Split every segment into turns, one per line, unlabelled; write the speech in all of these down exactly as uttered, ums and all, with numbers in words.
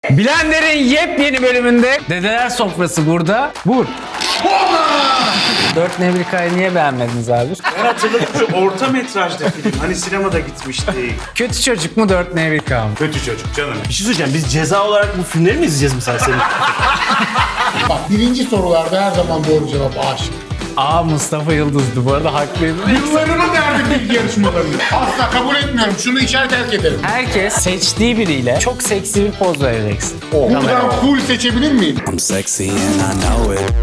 Blender'in yepyeni bölümünde Dedeler Sofrası burada. Vur. Dört Nevrika'yı niye beğenmediniz abi?
Ben hatırladım şu orta metrajda film. Hani sinemada gitmiştik.
Kötü çocuk mu Dört Nevrika mı?
Kötü çocuk canım.
Bir şey söyleyeceğim. Biz ceza olarak bu filmleri mi izleyeceğiz mesela senin?
Bak birinci sorularda her zaman doğru cevap A şıkkı.
Aa Mustafa Yıldız'dı bu arada haklıydı.
Yıllarını verdim bilgi yarışmalarını. Asla kabul etmiyorum. Şunu içer terk ederim.
Herkes seçtiği biriyle çok seksi bir poz vereceksin.
Buradan full seçebilir miyim?
I'm sexy and I know it.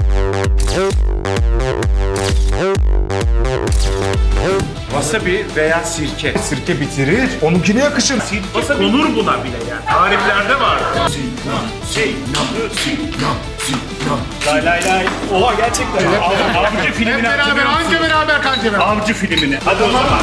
Wasabi veya sirke.
Sirke bitirir. Onunkine yakışır.
Sirke konur buna bile yani. Tariflerde var. Sinan, Sinan, Sinan, Sinan. Lay lay lay. Oha gerçekten. Av- Avcı
Hep
filmini
beraber,
hatırlıyor musun?
anca beraber kanca beraber.
Avcı filmini. Hadi o zaman.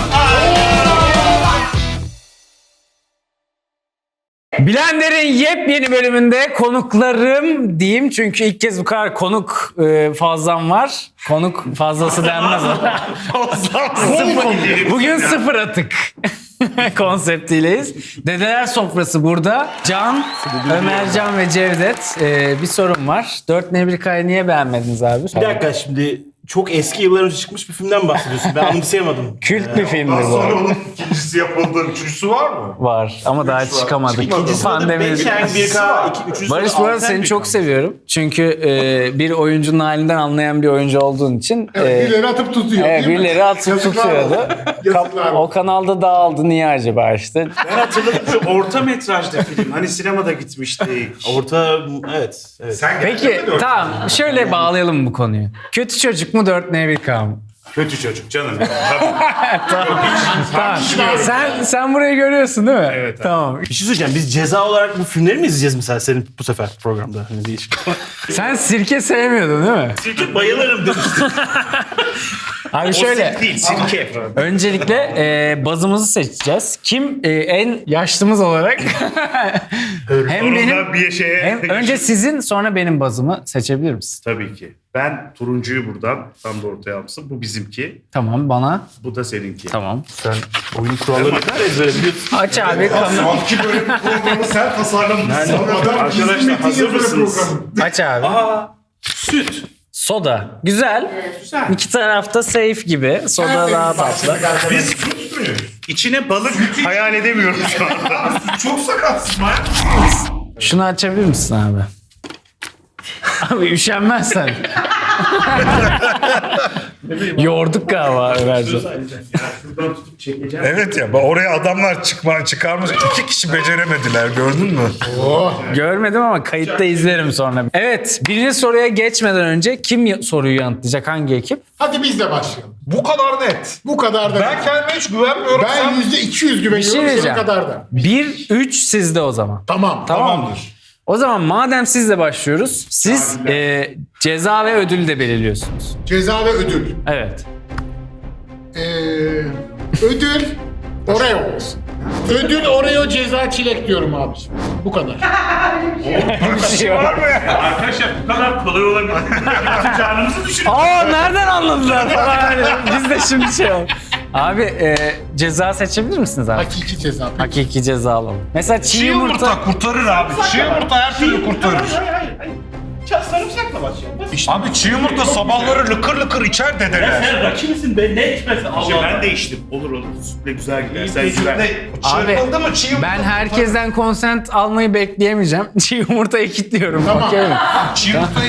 Blender'in yepyeni bölümünde konuklarım diyeyim çünkü ilk kez bu kadar konuk e, fazlam var. Konuk fazlası denmez ona. Sıfır- Bugün sıfır atık konseptiyleyiz. Dedeler Sofrası burada. Can, Ömercan ve Cevdet. E, bir sorun var. Dört Nevrika'yı niye beğenmediniz abi?
Bir dakika şimdi çok eski yıllar önce çıkmış bir filmden bahsediyorsun. Ben anımsayamadım.
Kült bir filmdi bu.
Sonra onun ikincisi yapıldı. Üçüncüsü var mı?
Var ama daha çıkamadık.
İkincisi adı
Pandemi.
Beşen, bir K, iki, üçüncüsü
Barış
adı
bu arada
Alten
seni
bir
çok
K.
seviyorum. Çünkü e, bir oyuncunun halinden anlayan bir oyuncu olduğun için
Evet,
e,
birileri atıp tutuyor
evet,
değil mi?
birileri atıp
Yazıklar
tutuyordu.
olsun. Yazıklar
Kap- o
olsun.
kanalda dağıldı. Niye acaba işte?
Ben hatırladım şu orta metrajda film. Hani sinemada gitmiştik.
Orta, evet. evet.
Sen
Peki
gerçekten dört-
tamam şöyle bağlayalım bu konuyu. Kötü çocuk mu Dört Nevrika mı?
Kötü çocuk canım.
Tamam. Sen sen burayı görüyorsun değil mi?
Evet abi.
Tamam.
Bir şey söyleyeceğim. Biz ceza olarak bu filmleri mi izleyeceğiz mesela senin bu sefer programda? Hani değişik.
Sen sirke sevmiyordun değil mi?
Sirke bayılırım demiştim.
Abi şöyle.
Sirke değil, sirke.
Öncelikle e, bazımızı seçeceğiz. Kim e, en yaşlımız olarak hem benim
bir şeye...
hem önce sizin sonra benim bazımı seçebilir misin?
Tabii ki. Ben turuncuyu buradan tam da ortaya almışım. Bu bizimki.
Tamam bana.
Bu da seninki.
Tamam.
Sen oyun kurallarını ne kadar ezbere biliyorsun.
Aç abi kanal.
Sanki böyle bir programı sen tasarlamışsın.
Arkadaşlar hazır mısınız?
Aç abi.
Süt.
Soda. Güzel.
Güzel.
İki tarafta safe gibi. Soda daha tatlı.
Biz süt müyüz? İçine balık hayal edemiyorum şu anda.
Çok sakatsın.
Şunu açabilir misin abi? Abi üşenmezsen. Yorduk galiba Ömerciğim.
Şuradan tutup çekeceğim.
Evet ya oraya adamlar çıkma, çıkarmış. İki kişi beceremediler gördün mü?
Görmedim ama kayıtta izlerim sonra. Evet, birinci soruya geçmeden önce kim y- soruyu yanıtlayacak? Hangi ekip?
Hadi biz de başlayalım.
Bu kadar net.
Bu kadar da.
Ben kendime hiç güvenmiyorum.
Ben
Sen...
yüzde iki yüz
Bir şey
güveniyorum senin
diyeceğim.
kadar da.
bir üç sizde o zaman.
Tamam.
Tamam mı? O zaman madem sizle başlıyoruz, siz e, ceza ve ödül de belirliyorsunuz.
Ceza ve ödül.
Evet.
Ee, ödül Oreo olsun. Ödül Oreo, ceza çilek diyorum abiciğim. Bu kadar.
Bir şey var.
Arkadaşlar bu kadar kolay olabilir. Bütün canımızı düşün.
Aa nereden anladılar falan. Hani biz de şimdi şey oldu. Abi e, ceza seçebilir misiniz abi?
Hakiki ceza.
Hakiki ceza alalım. Mesela çiğ,
Çiğ
yumurta...
yumurta kurtarır abi. Çiğ yumurta her türlü kurtarır.
Hayır hayır hayır. Çal sarımsakla başlayalım.
Abi çiğ yumurta sabahları lıkır lıkır içer dedeler.
Sen rakibsin be, ne içmesi Allah
İşte
Allah.
ben de içtim. Olur olur. Sütle güzel gider. Sen güven.
Abi
Çırpıldı mı çiğ yumurta?
ben herkesten konsent almayı bekleyemeyeceğim. Çiğ yumurtayı kilitliyorum.
Tamam.
Okey mi?
Çiğ yumurtayı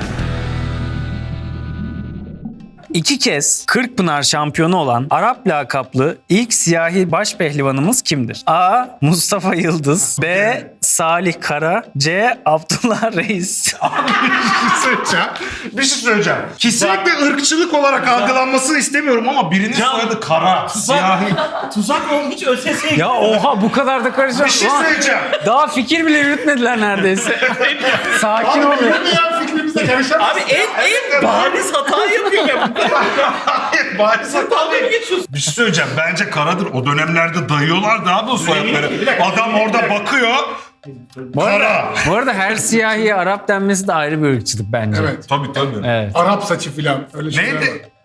İki kez Kırkpınar şampiyonu olan Arap lakaplı ilk siyahi başpehlivanımız kimdir? A. Mustafa Yıldız. B. Salih Kara. C. Abdullah Reis.
söyleyeceğim. Bir şey söyleyeceğim. Kesinlikle ırkçılık olarak algılanmasını istemiyorum ama birinin soyadı kara, siyahi.
Tuzak ol, hiç ÖSS'ye
Ya oha bu kadar da karışıyor.
Bir şey söyleyeceğim.
Daha fikir bile yürütmediler neredeyse. Sakin ol ya.
Ne ya fikrimizde karışamaz.
Abi en en bariz hata yapıyor ya.
Hayır, bari
Dalga mı geçiyorsun?
Bir şey söyleyeceğim. Bence karadır. O dönemlerde dayıyorlardı abi o soyadları. Adam orada bakıyor.
Bu arada, bu arada her siyahiye Arap denmesi de ayrı bir ırkçılık bence.
Evet.
Tabii tabii.
Evet.
Arap saçı filan. Öyle şeyler
Neydi?
var.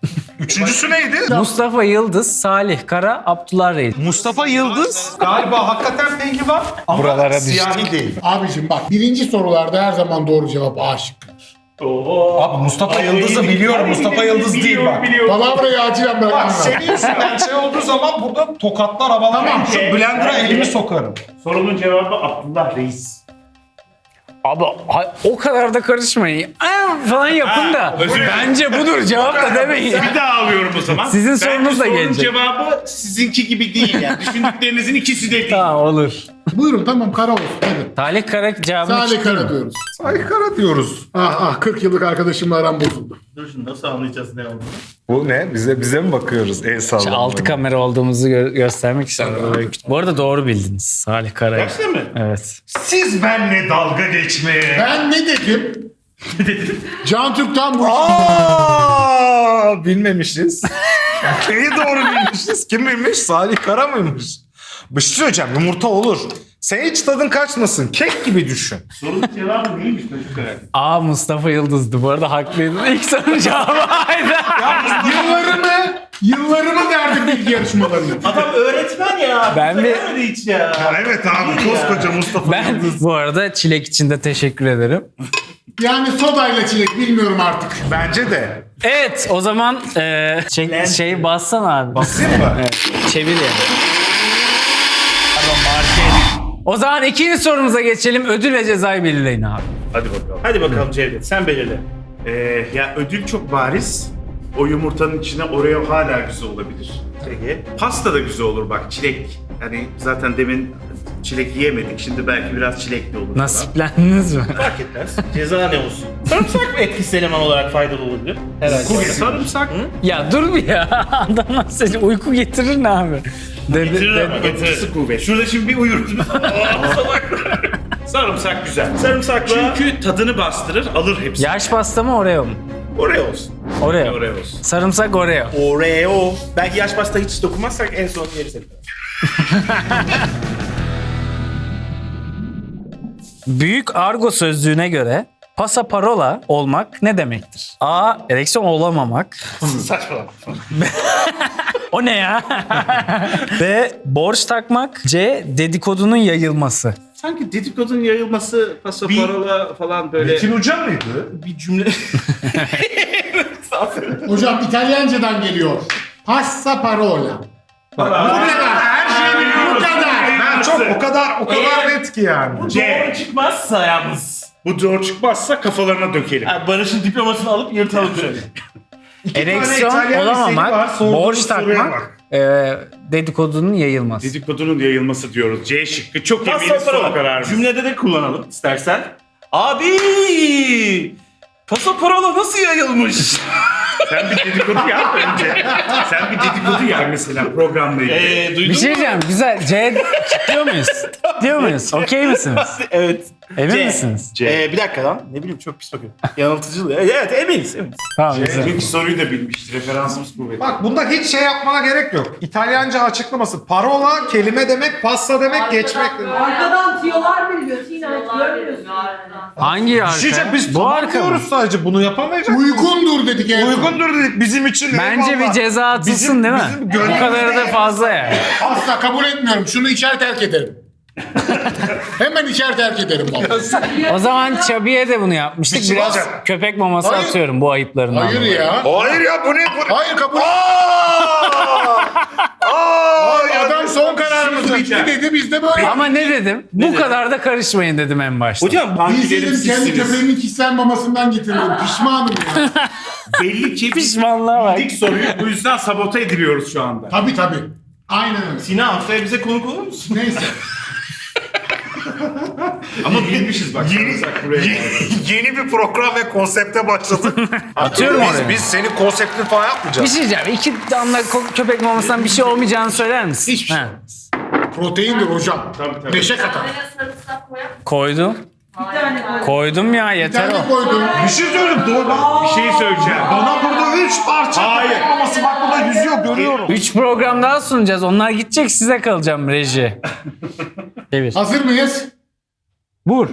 Üçüncüsü neydi?
Mustafa Yıldız, Salih Kara, Abdullah Reis.
Mustafa Yıldız.
Galiba hakikaten pengi var ama
Buralara
siyahi değil.
Abicim bak birinci sorularda her zaman doğru cevap A şıkkı.
Oo.
Abi Mustafa Yıldız'ı biliyorum. Mustafa Yıldız değil bak.
Palavrayı acilen ben
Bak
anlamam.
senin yüzünden şey olduğu zaman burada tokatlar havalar. Tamam. Şu blender'a elimi sokarım.
Sorunun cevabı Abdullah Reis.
Abi ha- o kadar da karışmayın. Aa, falan yapın da.
özür dilerim.
Bence budur cevap da demeyin.
Bir daha alıyorum o zaman.
Sizin
Bence
sorunuz da
sorunun
gelecek.
cevabı sizinki gibi değil yani. Düşündüklerinizin ikisi de değil.
Tamam olur.
Buyurun tamam kara olsun hadi.
Salih Kara cevabını
Salih
çıktı
Kara
mı?
diyoruz.
Saykara diyoruz.
Ah ah kırk yıllık arkadaşımla aram bozuldu.
Dur şimdi nasıl anlayacağız ne olduğunu?
Bu ne? Bize bize mi bakıyoruz el
İşte
sallamaya?
altı kamera olduğumuzu gö- göstermek için. Bu arada doğru bildiniz. Salih Kara.
Gerçekten mi?
Evet.
Siz benimle dalga geçmeye.
Ben ne dedim? Ne dedim? Can Türk'ten bu işin.
Aa, bilmemişiz. Neyi doğru bilmişiz? Kim bilmiş? Salih Kara mıymış? Bir şey söyleyeceğim. Yumurta olur. Sen hiç tadın kaçmasın. Kek gibi düşün.
Sorunun cevabı neymiş çocuklar?
A Mustafa Yıldız'dı. Bu arada haklıydın. İlk sorunun cevabı aydı.
Yıllarımı, yıllarımı verdim bilgi yarışmalarına.
Adam öğretmen ya.
Ben
Bize
bir-
gelmedi hiç ya.
Ya evet abi koskoca Mustafa
Ben
Yıldız.
bu arada çilek için de teşekkür ederim.
Yani sodayla çilek bilmiyorum artık.
Bence de.
Evet o zaman e, şey, şey bassana abi.
Basayım mı?
Evet, çevir yani. O zaman ikinci sorumuza geçelim. Ödül ve cezayı belirleyin abi.
Hadi bakalım. Hadi bakalım Cevdet sen belirle. Ee, ya ödül çok bariz. O yumurtanın içine Oreo hala güzel olabilir. Peki. Pasta da güzel olur bak çilek. Yani zaten demin çilek yiyemedik. Şimdi belki biraz çilekli olur. falan.
Nasiplendiniz mi?
Fark etmez. Ceza ne olsun? Sarımsak mı etkisiz eleman olarak faydalı olabilir? Herhalde.
Sarımsak.
Ya dur bir ya. Adamlar seni uyku getirir ne abi? Dedi,
Getirir ama
dedi-
getirisi kuvvet. Şurada şimdi bir uyuruz. Aa, salaklar. Sarımsak güzel. Sarımsakla çünkü tadını bastırır, alır hepsini.
Yaş pasta mı Oreo mu?
Oreo olsun.
Oreo.
Oreo olsun.
Sarımsak Oreo.
Oreo. Belki yaş pasta hiç dokunmazsak en son yeriz hep.
Büyük argo sözlüğüne göre pasaparola olmak ne demektir? A. Ereksiyon olamamak.
Saçmalama.
O ne ya? B. Borç takmak. C. Dedikodunun yayılması.
Sanki dedikodun yayılması, pasaparola falan böyle
Metin Hoca mıydı?
bir cümle.
Hocam İtalyancadan geliyor. Passa parola. Bu kadar.
Her şeyi biliyorum.
Bu kadar.
Ben çok o kadar o kadar net ki yani.
C.
Doğru çıkmazsa yalnız.
Bu doğru çıkmazsa kafalarına dökelim.
Ha, Barış'ın diplomasını alıp yırtalım şöyle.
Ereksiyon
İtalyan liseli var,
olamamak,
sorduğunuz
borç
soruya
takmak,
bak.
e, dedikodunun yayılması.
Dedikodunun yayılması diyoruz. C şıkkı. Çok eminiz son
Pasaparola.
kararımız.
Cümlede de kullanalım istersen. Abi! Pasaparola nasıl yayılmış?
Sen bir dedikodu yap önce. Sen bir dedikodu yap mesela programla ilgili.
Eee
Bir
duydun
şey
mu?
diyeceğim. Güzel. C diyor muyuz? Diyor muyuz? Okey misiniz?
Evet.
Emin
C.
misiniz?
C.
Ee, bir dakika lan. Ne bileyim çok pis bakıyorum. Yanıltıcı. Evet eminiz. eminiz.
Tamam güzel.
Çünkü soruyu da bilmiş. Referansımız kuvvetli.
Bak bunda hiç şey yapmana gerek yok. İtalyanca açıklaması. Parola kelime demek, pasta demek, geçmek demek.
Arkadan tiyolar veriliyor. Sinan görmüyorsun.
Hangi arka?
Şişe biz
Bu
tamam
arka mı?
diyoruz sadece bunu yapamayacak.
Uygundur dedik en son.
Uygundur dedik bizim için.
Bence
eyvallah.
bir ceza atılsın
Bizim-
değil mi?
bizim
Bu
gönlümüzde-
kadarı da fazla yani.
Asla kabul etmiyorum. Şunu içer terk ederim. Hemen içer terk ederim vallahi.
O zaman Çabi'ye de bunu yapmıştık.
Bir şey
Biraz
olacak.
köpek maması
Hayır.
atıyorum bu ayıplarından.
Hayır
dolayı.
ya.
Hayır ya bu ne? Bu...
Hayır kabul.
Aa! Aa!
Adam son kararımız bitti dedi biz de böyle.
Ama ne dedim? Bu kadar da karışmayın dedim en başta.
Hocam
Biz
Bankilerim
dedim kendi
sizsiniz.
köpeğimin kişisel mamasından getirdim. Pişmanım ya.
Belli ki biz
Pişmanlığa bak.
bildik soruyu. Bu yüzden sabote ediliyoruz şu anda.
Tabii tabii. Aynen öyle.
Sinan haftaya bize konuk olur musun?
Neyse.
Ama bilmişiz bak. Sarımsak buraya geldi.
Yeni bir program ve konsepte başladık.
Atıyorum
biz,
oraya.
biz senin konseptini falan
Bir
yapmayacağız.
şey diyeceğim. İki damla ko- köpek mamasından bir şey olmayacağını söyler misin?
Hiçbir şey
Ha.
Proteindir hocam.
Tabii, tabii.
Neşe katar.
Araya sarımsak koyar mısın?
Koydum.
Bir tane koy.
Koydum ya
Bir
yeter
tane
o.
koydum.
Bir şey söyleyeyim doğru.
Bir şey söyleyeceğim.
Bana burada üç parça
Hayır.
köpek maması bak burada yüzüyor görüyorum.
Üç program daha sunacağız. Onlar gidecek size kalacağım reji. Çevir.
Hazır mıyız?
Vur.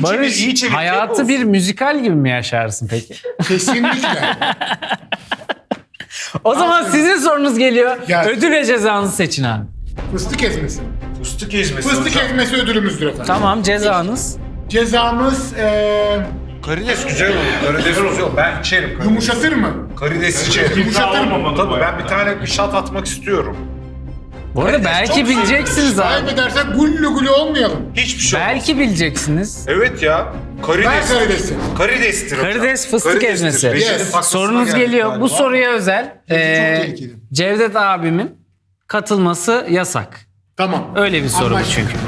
çevir,
Barış,
iyi çevir.
hayatı
olsun.
bir müzikal gibi mi yaşarsın peki?
Kesinlikle.
O zaman sizin sorunuz geliyor.
Gelsin.
Ödül ve cezanızı seçin abi.
Fıstık ezmesi.
Fıstık ezmesi
Fıstık
hocam.
ezmesi ödülümüzdür efendim.
Tamam, cezanız.
Cezamız eee
Karides güzel olur. Karides güzel olur. Ben içerim karides.
yumuşatır mı?
Karides içerim.
Yumuşatır mı?
olmamalı bu
Tabii ben
hayatta.
bir tane bir shot atmak istiyorum.
Bu arada belki bileceksiniz abi.
Kaybedersek gullu gullu olmayalım.
Hiçbir şey olmaz.
Belki bileceksiniz.
Evet ya.
Ben
Karides.
karidesi.
Karidestir hocam.
Karides fıstık
Karidestir.
ezmesi.
Rejinin
Yes.
taklısına
Sorunuz
geldik
geliyor.
galiba.
Bu soruya özel. Ee,
tehlikeli.
Cevdet abimin katılması yasak.
Tamam.
Öyle bir soru bu
Anlaştık.
çünkü.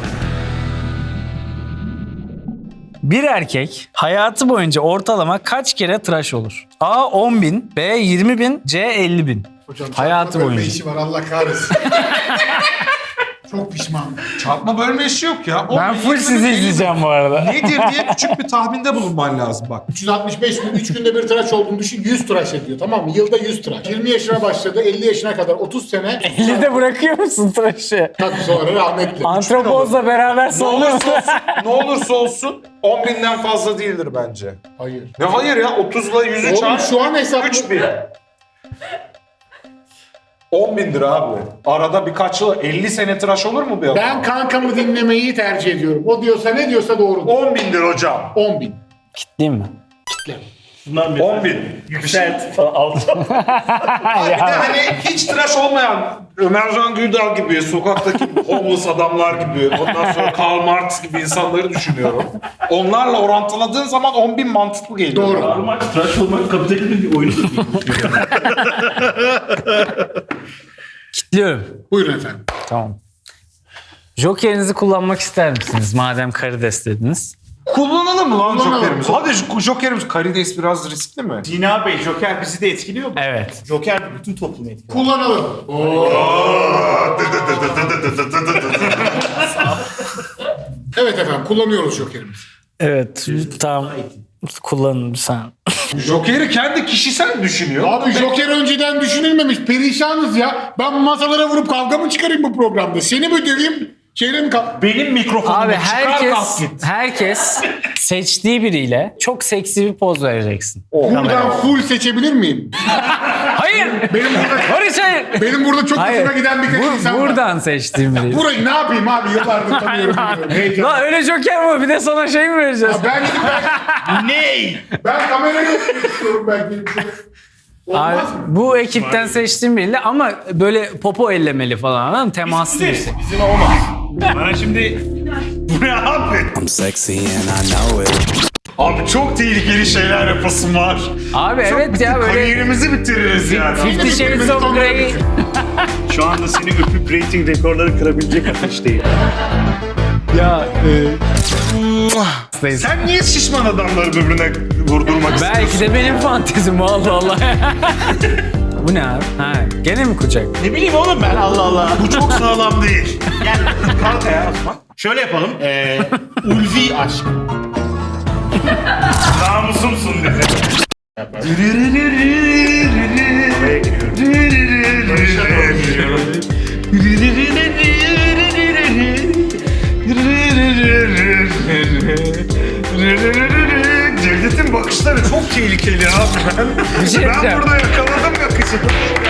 Bir erkek hayatı boyunca ortalama kaç kere tıraş olur? A on bin, B yirmi bin, C elli bin.
Hocam,
Hayatı
çarpma bölme
boyunca.
işi var Allah kahretsin. Çok pişmanım.
Çarpma bölme işi yok ya.
Ben full sizi izleyeceğim bu arada.
Nedir diye küçük bir tahminde bulunman lazım bak.
üç yüz altmış beş gün, üç günde bir tıraş olduğunu düşün, yüz tıraş ediyor, tamam mı? Yılda yüz tıraş. yirmi yaşına başladı, elli yaşına kadar otuz sene.
elli de bırakıyor musun tıraşı?
Tabii sonra rahmetli.
Antropozla beraber
Ne
salıyor
olursa olsun, ne olursa olsun on binden fazla değildir bence.
Hayır.
Ne hayır ya otuzla yüzü
Oğlum
çarp.
şu an hesaplı.
üç bin. on bindir abi. Arada birkaç yıl elli sene tıraş olur mu bir adam?
Ben kankamı dinlemeyi tercih ediyorum. O diyorsa ne diyorsa doğrudur.
on bindir hocam.
on bin.
Değil mi?
Bundan bir
on bin.
yükselt falan alacağım.
Bir de hani hiç tıraş olmayan Ömer Can Güldal gibi, sokaktaki homeless adamlar gibi, ondan sonra Karl Marx gibi insanları düşünüyorum. Onlarla orantıladığın zaman on bin mantıklı geliyor.
Doğru.
Normal tıraş olmak kapitalizmin bir oyunudur.
Kitliyorum.
Buyurun efendim.
Tamam. Jokerinizi kullanmak ister misiniz madem karides dediniz?
Kullanalım mı lan
Kullanalım.
jokerimizi? Hadi şu jokerimiz. Karides biraz riskli mi?
Dina Bey, Joker bizi de etkiliyor mu?
Evet.
Joker bütün toplumu etkiliyor.
Kullanalım. Evet efendim, kullanıyoruz jokerimizi.
Evet. Tamam. Kullanın sen.
Jokeri kendi kişisel düşünüyor.
Abi joker önceden düşünülmemiş. Perişanız ya. Ben masalara vurup kavga mı çıkarayım bu programda? Seni mi döveyim? Şeyle mi kal-
Benim mikrofonumu
Abi
çıkar
herkes
kalk git.
herkes seçtiği biriyle çok seksi bir poz vereceksin.
Buradan full seçebilir miyim?
Hayır.
Benim burada,
Barış hayır.
benim burada çok
Hayır.
hoşuma giden birkaç
Bu-
insan var.
buradan seçtiğim biriyle.
Burayı ne yapayım abi? Yıllardır tanıyorum. biliyorum. Heyecan.
Lan öyle joker mi? Bir de sana şey mi vereceğiz?
Ben gidip ben,
Ney?
ben kamerayı yapmak istiyorum belki.
Abi,
Olmaz mı?
bu ekipten seçtiğim biriyle ama böyle popo ellemeli falan anladın mı? Temaslı birisi.
Bizim olmaz. Bana şimdi... Bu ne abi?
I'm sexy and I know it.
Abi çok tehlikeli şeyler yapasım var.
Abi evet ya böyle
Kariyerimizi bitiririz yani.
Fifty Shades of Grey.
Şu anda seni öpüp rating rekorları kırabilecek ateşteyim.
Ya e,
Sen niye şişman adamları birbirine vurdurmak istiyorsun?
belki de benim fantezim Allah Allah. Bu ne abi? Ha, gene mi kucak?
Ne bileyim oğlum ben Allah Allah.
Bu çok sağlam değil.
Gel kalk ayağa Osman. Şöyle yapalım. Ee, ulvi aşk.
Namusumsun dedi. Oraya
Cevdet'in bakışları çok tehlikeli abi. Ben,
Bir şey
ben
diyeceğim.
burada yakaladım yakışını.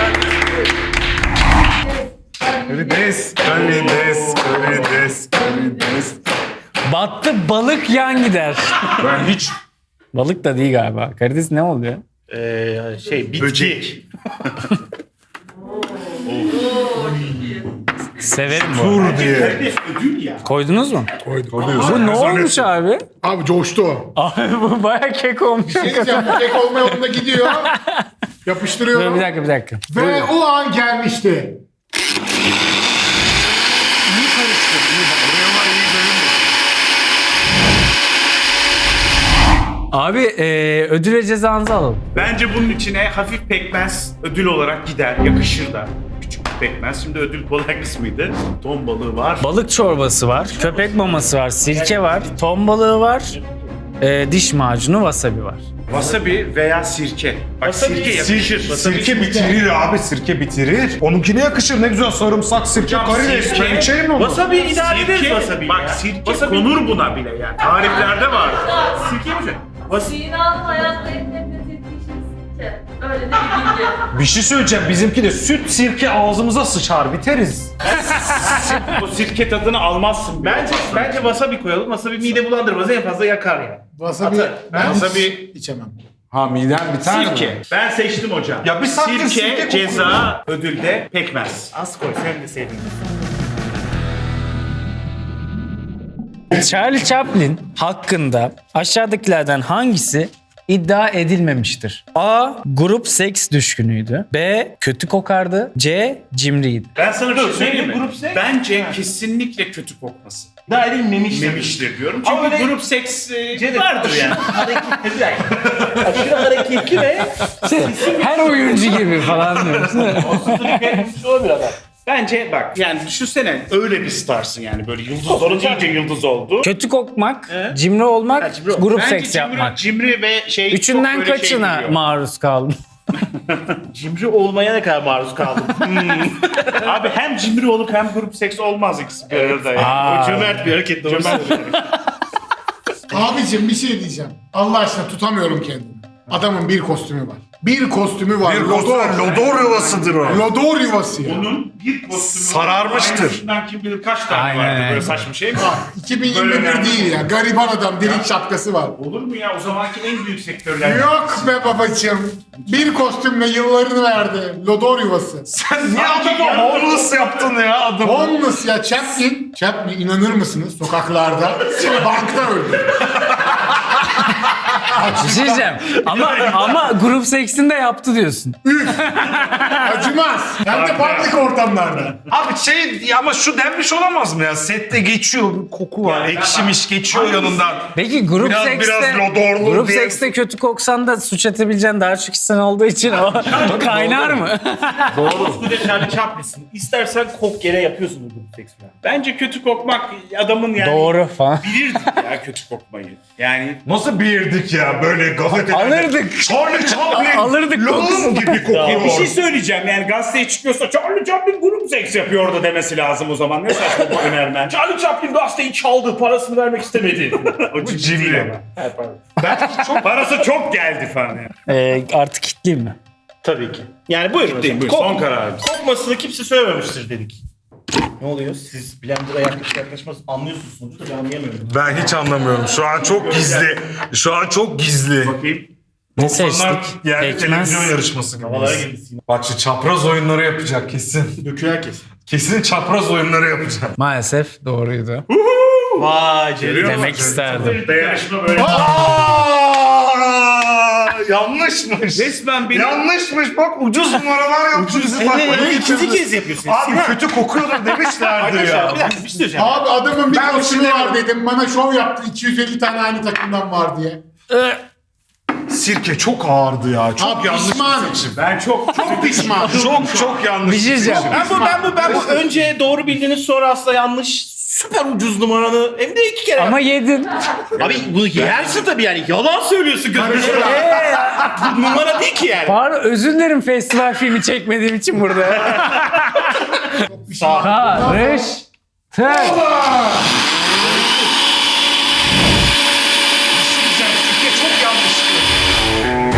Karides, karides, karides, karides.
Battı balık yan gider.
Ben hiç
Balık da değil galiba. Karides ne oluyor?
Ee, şey bitki.
Böcek.
Severim bu.
dur diye.
Ödül ya.
Koydunuz mu?
Koyduk.
Bu ne olmuş abi?
Abi coştu o.
Abi bu baya kek olmuş.
Ne diyeceğim? Bu tek olma yolunda gidiyor.
Dur,
Yapıştırıyorum.
bir dakika bir dakika.
Ve o an gelmişti.
Abi e, ödül ve cezanızı alalım.
Bence bunun içine hafif pekmez ödül olarak gider. Yakışır da. Küçük bir pekmez. Şimdi ödül kolay kısmıydı. Ton balığı var.
Balık çorbası var, köpek maması var, sirke var, ton balığı var. Ee, diş macunu wasabi var.
Wasabi veya sirke. Bak sirke yakışır.
Sirke bitirir abi, sirke bitirir. Onunkine yakışır, ne güzel sarımsak, sirke, karides.
sirke-
Ben içerim onu.
Wasabi idare ederiz
Sirke,
wasabi
bak
ya.
sirke
Wasabi-
konur buna bile yani. Tariflerde var.
Sirke mi?
Sinan'ın hayatta en nefret ettiği şey sirke. Öyle de bir bilgi.
Bir şey söyleyeceğim, bizimki de süt sirke ağzımıza sıçar, biteriz.
O sirke tadını almazsın.
Bence bence wasabi koyalım. Wasabi mide bulandırmaz, en fazla yakar ya.
Wasabi ben
Wasabi-
içemem.
Ha miden biter mi?
Sirke. Ben seçtim hocam.
Ya bir saattir
sirke,
sirke kokuyor.
ceza, ödülde pekmez.
Az koy, sen de sevdin.
Charlie Chaplin hakkında aşağıdakilerden hangisi iddia edilmemiştir? A. Grup seks düşkünüydü. B. Kötü kokardı. C. Cimriydi.
Ben sana bir şey söyleyeyim mi?
grup seks?
Bence kesinlikle kötü kokması.
Daha edilmemiş.
Memiştir diyorum.
Ama
Çünkü
öyle-
grup seks e,
Cevdet,
vardır yani.
Hareketli bir dakika. Aşırı hareketli ve
Her oyuncu gibi falan diyorsun.
olabilir adam.
Bence bak yani düşünsene öyle bir starsın yani böyle yıldızların iyice yıldız oldu.
Kötü kokmak, cimri olmak, grup
Bence
seks
cimri,
yapmak.
cimri ve şey
Üçünden
çok böyle
kaçına
şey geliyor.
maruz kaldın?
Cimri olmaya ne kadar maruz kaldım.
Abi hem cimri olup hem grup seks olmaz ikisi bir arada yani.
Aa.
O cömert bir hareket. Doğru söylüyorsun.
Abicim bir şey diyeceğim. Allah aşkına tutamıyorum kendimi. Adamın bir kostümü var. Bir kostümü var.
Bir
Lodor.
kostüm, lodor yuvasıdır o.
Lodor yuvası ya.
Onun bir kostümü
Sararmıştır.
Aynısından kim bilir kaç tane
Aynen,
vardı
aynen.
böyle saçma şey mi?
iki bin yirmi
Böyle
bir
yani.
değil ya. Gariban adam delik şapkası var.
Olur mu ya o zamanki en büyük sektörler.
Yok be babacığım. Bir kostümle yıllarını verdi. Lodor yuvası.
Sen niye adama homeless yaptın ya adamı?
Homeless ya Chaplin. Chaplin inanır mısınız sokaklarda bankta öldü.
Bir şey diyeceğim. Ama, ama grup seksini de yaptı diyorsun.
Acımaz. Hem de public ortamlarda.
Abi şey ama şu denmiş olamaz mı ya? Sette geçiyor, bir koku var, ekşimiş geçiyor yanından.
Peki grup
Biraz-
sekste,
biraz lodorlu
grup
diye-
sekste kötü koksan da suç edebileceğin daha çok kişiden olduğu için o kaynar mı?
Koskoca Charlie Chaplin'sin. İstersen kok yere yapıyorsun bu grup seks falan.
Bence kötü kokmak adamın yani
Doğru falan.
bilirdik ya kötü kokmayı. Yani
Nasıl bilirdik ya böyle gazetelerde?
Alırdık.
Charlie Chaplin
Alırdık
lağım
kokusunu.
gibi kokuyor.
bir şey söyleyeceğim yani gazeteye çıkıyorsa Charlie Chaplin grup seks yapıyor orada demesi lazım o zaman. Ne saçma bu önermen.
Charlie Chaplin gazeteyi çaldı, parasını vermek istemedi.
O ciddi değil
cimri.
ama. çok parası çok geldi falan yani.
Ee, artık kitleyeyim mi?
Tabii ki. Yani buyurun hocam.
Buyur,
Kok-
son kararımız.
Kokmasını kimse söylememiştir dedik. Ne oluyor? Siz blender'a yaklaş yaklaşmaz anlıyorsunuz sonucu da ben anlayamıyorum.
Ben hiç anlamıyorum. Şu an çok gizli. Şu an çok gizli.
Bakayım.
Ne
doksanlar
seçtik?
yani
Pekmez.
televizyon yarışması
Havalara
gibi.
girdi Sinan.
Bak şu çapraz oyunları yapacak kesin.
Döküyor kesin.
Kesin çapraz oyunları yapacak.
Maalesef doğruydu.
Vay Ceri.
Demek isterdim.
Dayanışma böyle.
Aa, yanlışmış.
Resmen benim
Yanlışmış bak ucuz numaralar yaptı bizi bak.
Evet,
böyle
ikinci
getirdi.
kez yapıyorsun.
Abi
Sinan.
kötü kokuyordur demişlerdi
Arkadaşlar
ya.
bir dakika bir şey söyleyeceğim.
Abi adamın bir
Ben
kostümü
bir şey
var dedim. Bana şov yaptı. iki yüz elli tane aynı takımdan var diye.
Sirke çok ağırdı ya. Çok
Abi
yanlış
pişmanım.
bir seçim.
ben çok
Çok pişman.
Çok çok yanlış
Bir şey diyeceğim.
seçim.
Ben bu ben bu ben bu önce doğru bildiğiniz sonra aslında yanlış süper ucuz numaranı hem de iki kere.
Ama yedin.
Abi bunu yersin tabii yani yalan söylüyorsun gözünü. Bu numara değil ki yani.
Pardon özür dilerim festival filmi çekmediğim için burada. Karıştır.
Sirke çok yanlıştı.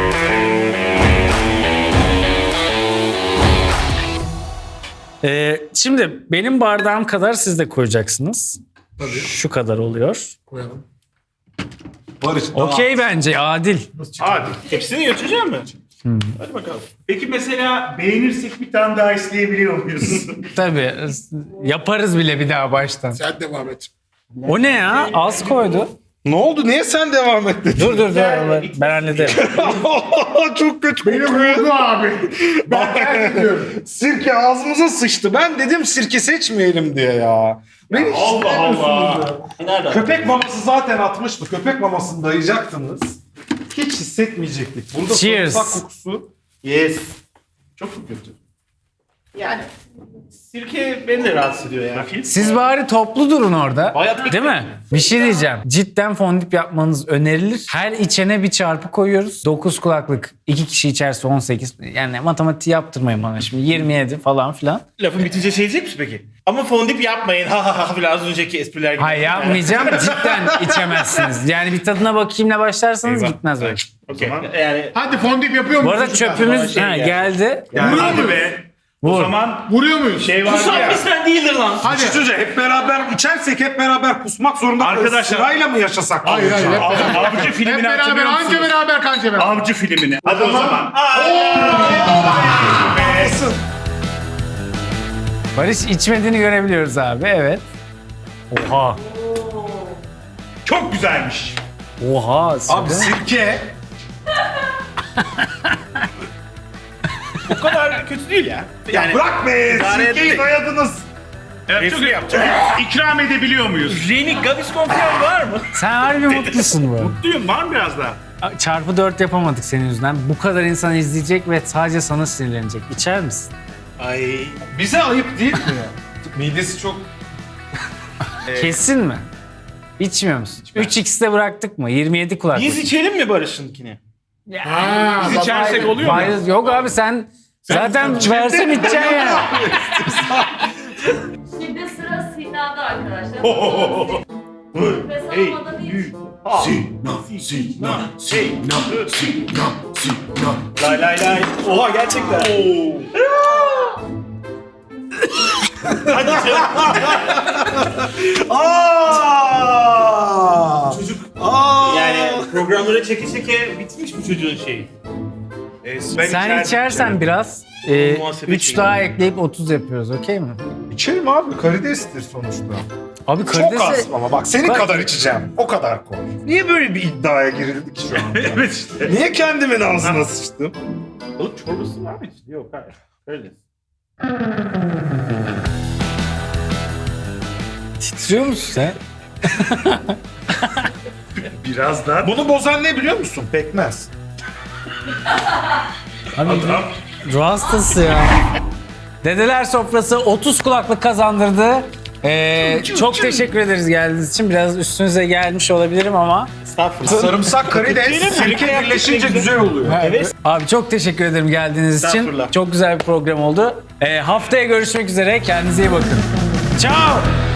Ee, şimdi benim bardağım kadar siz de koyacaksınız. Şu kadar oluyor.
Koyalım.
Barış.
Okey bence adil.
Hadi.
Hepsini götüreceğim mi? Hadi bakalım.
Peki mesela beğenirsek bir tane daha isteyebiliyor muyuz?
Tabii yaparız bile bir daha baştan.
Sen devam et.
O ne ya? Az koydu.
Ne oldu? Niye sen devam ettin?
Dur dur dur. Ben hallederim.
Çok kötü
Benim
kokuyor.
vurdu abi. Ben terk ediyorum.
Sirke ağzımıza sıçtı. Ben dedim sirke seçmeyelim diye ya. Beni
Allah Allah.
Nerede?
Köpek maması zaten atmıştı. Köpek mamasını dayayacaktınız. Hiç hissetmeyecektik. Burada
Cheers.
sarımsak kokusu.
Yes.
Çok mu kötü?
Yani sirke beni de rahatsız ediyor ya.
Bakayım.
Siz bari toplu durun orada.
Hayat-
Değil mi? Bir şey diyeceğim. Cidden fondip yapmanız önerilir. Her içene bir çarpı koyuyoruz. dokuz kulaklık. iki kişi içerse on sekiz. Yani matematiği yaptırmayın bana şimdi. yirmi yedi falan filan.
Lafın bitince şey diyecek misin peki? Ama fondip yapmayın. Ha ha ha filan az önceki espriler gibi.
Hayır yapmayacağım. Cidden içemezsiniz. Yani bir tadına bakayımla başlarsanız
Eyvah.
gitmez öyle.
Okey. Yani
Hadi fondip yapıyor
Bu
muyuz?
arada
çocuklar?
çöpümüz
şey
ha,
geldi.
geldi.
Yani
Vuruyor
hadi
muyuz?
be. O
Vur.
zaman
Vuruyor muyuz?
şey vardı
Kusam
ya.
bizden değildir lan.
Hadi.
Çocuğa hep beraber içersek hep beraber kusmak zorunda kalırız.
Arkadaşlar-
Sırayla mı yaşasak?
Hayır hayır. Hep
Av-
beraber.
Avcı
Hep
filmini
beraber.
hatırlıyor
Anca
musunuz?
beraber kanca beraber.
Avcı filmini. Hadi o zaman.
Barış içmediğini görebiliyoruz abi. Evet. Oha.
Çok güzelmiş.
Oha.
Abi sirke.
O kadar kötü değil ya. Yani
Bırak be
idare
sirkeyi
ettik.
dayadınız.
Evet, çok
Espri yapacak.
İkram edebiliyor muyuz?
Reni Gaviscon falan var mı?
Sen harbi mutlusun bu arada.
Mutluyum. Var mı biraz daha?
Çarpı dört yapamadık senin yüzünden. Bu kadar insan izleyecek ve sadece sana sinirlenecek. İçer misin?
Ay.
Bize ayıp değil mi ya? Midesi çok...
Kesin mi? İçmiyor musun? üç x'te bıraktık mı? yirmi yedi kulaklık.
Biz içelim mi Barış'ınkini?
Ha,
Biz
bak-
içersek oluyor mu?
Hayır, yok abi sen zaten versen içeceksin ya.
Şimdi sıra Sina'da arkadaşlar. Nefes almadan hiç.
Lay lay lay. Oha gerçekten. Hadi canım.
Aa!
Çocuk
Aa!
yani programları çeke çeke bitmiş bu çocuğun şeyi.
Ee, ben
Sen
içerdim.
içersen biraz e,
Muhasebe
üç
şeyi.
daha ekleyip otuz yapıyoruz, okey mi?
İçerim abi karidestir sonuçta.
Abi
Çok
karidesi...
az ama bak senin
Bak-
kadar içeceğim. O kadar koy. Niye böyle bir iddiaya girildi ki şu an?
Evet işte.
Niye kendimin ağzına sıçtım?
Oğlum çorbası var mı içinde? Yok hayır. Öyle.
Titriyor musun sen?
Biraz daha.
Bunu bozan ne biliyor musun? Pekmez.
Abi ruh hastası ya. Dedeler sofrası otuz kulaklık kazandırdı. Ee, çok teşekkür ederiz geldiğiniz için. Biraz üstünüze gelmiş olabilirim ama.
Estağfurullah.
Sarımsak, karides,
Değil mi?
sirke
Sirke
birleşince
yaptık,
güzel oluyor.
Evet.
Abi çok teşekkür ederim geldiğiniz için.
Estağfurullah.
Çok güzel bir program oldu. Ee, haftaya görüşmek üzere. Kendinize iyi bakın. Ciao.